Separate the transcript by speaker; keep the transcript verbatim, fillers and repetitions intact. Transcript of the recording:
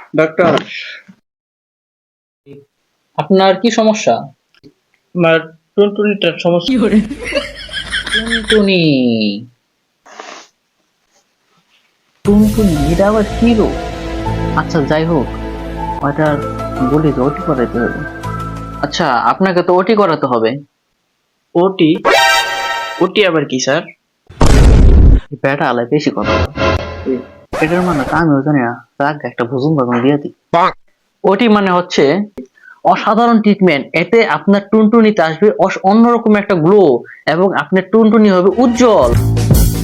Speaker 1: Doctor,
Speaker 2: আপনার কি সমস্যা?
Speaker 1: আমার টুনটুনিটার সমস্যা।
Speaker 2: টুনটুনি টুনটুনি এটা আবার কি রোগ? আচ্ছা যাই হোক, ওটার বলি তো ওটি করাইতে হবে। আচ্ছা আপনাকে তো ওটি করাতে হবে।
Speaker 1: ওটি? ওটি আবার কি স্যার?
Speaker 2: বেটা আলাই বেশি কথা বলে। এ- এটার মানে তো আমিও জানি না, রাগ একটা ভুজুম বাগুন দিয়ে দিই। ওটি মানে হচ্ছে অসাধারণ ট্রিটমেন্ট। এতে আপনার টুনটুনিতে আসবে অস- অন্যরকম একটা গ্লো, এবং আপনার টুনটুনি হবে উজ্জ্বল।